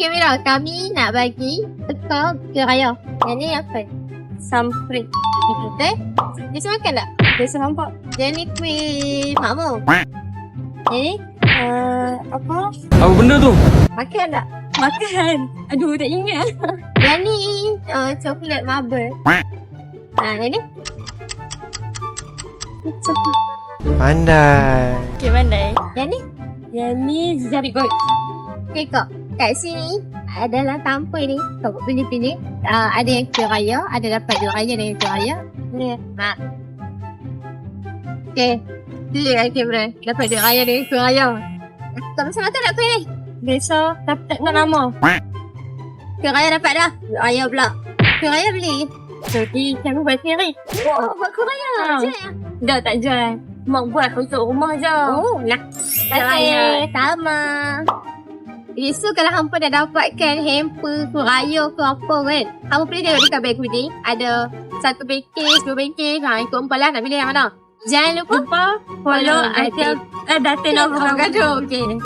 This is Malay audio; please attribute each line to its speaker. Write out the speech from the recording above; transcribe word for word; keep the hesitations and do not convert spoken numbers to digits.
Speaker 1: Okey Mira, kami nak bagi teka ke raya. Yang ni apa? Samprit. Betul? Dia semua makan tak? Dia semua nampak. Yang ni kuih makmur. Yang ni uh, apa?
Speaker 2: Apa benda tu?
Speaker 1: Makan tak?
Speaker 3: Makan. Aduh, tak ingat.
Speaker 1: Yang ni uh, coklat marble. Ha, yang ni?
Speaker 4: Pandai.
Speaker 3: Okay, pandai.
Speaker 1: Yang ni?
Speaker 3: Yang ni jari gold.
Speaker 1: Okay kak, kat sini adalah tanpa ni. Kau pilih-pilih. Uh, ada yang kuih raya, ada dapat dua raya dan yang kuih raya. Ni. Ha. Okay. Pilih kan kamera. Dapat dua raya dan kuih raya. Tak macam mana nak kuih ni?
Speaker 3: Besok tapi tak nak nama.
Speaker 1: Kuih raya dapat dah. Kuih raya pula. Kuih raya beli.
Speaker 3: Jadi, kamu buat sendiri.
Speaker 1: Oh, buat kuih raya.
Speaker 3: Ha.
Speaker 1: Macam mana?
Speaker 3: Dah tak jual. Mak buat untuk rumah je.
Speaker 1: Oh, nak.
Speaker 3: Raya.
Speaker 1: Sama. Okay, so kalau hampa dah dapatkan hamper ke raya ke apa kan, hampa boleh tengok dekat beg ni. Ada satu package, dua package. Ha, ikut hampa lah nak pilih yang mana. Jangan lupa
Speaker 3: Lupa follow
Speaker 1: Follow
Speaker 3: Atil. Eh, Datin Avocado.
Speaker 1: avocado. Okay.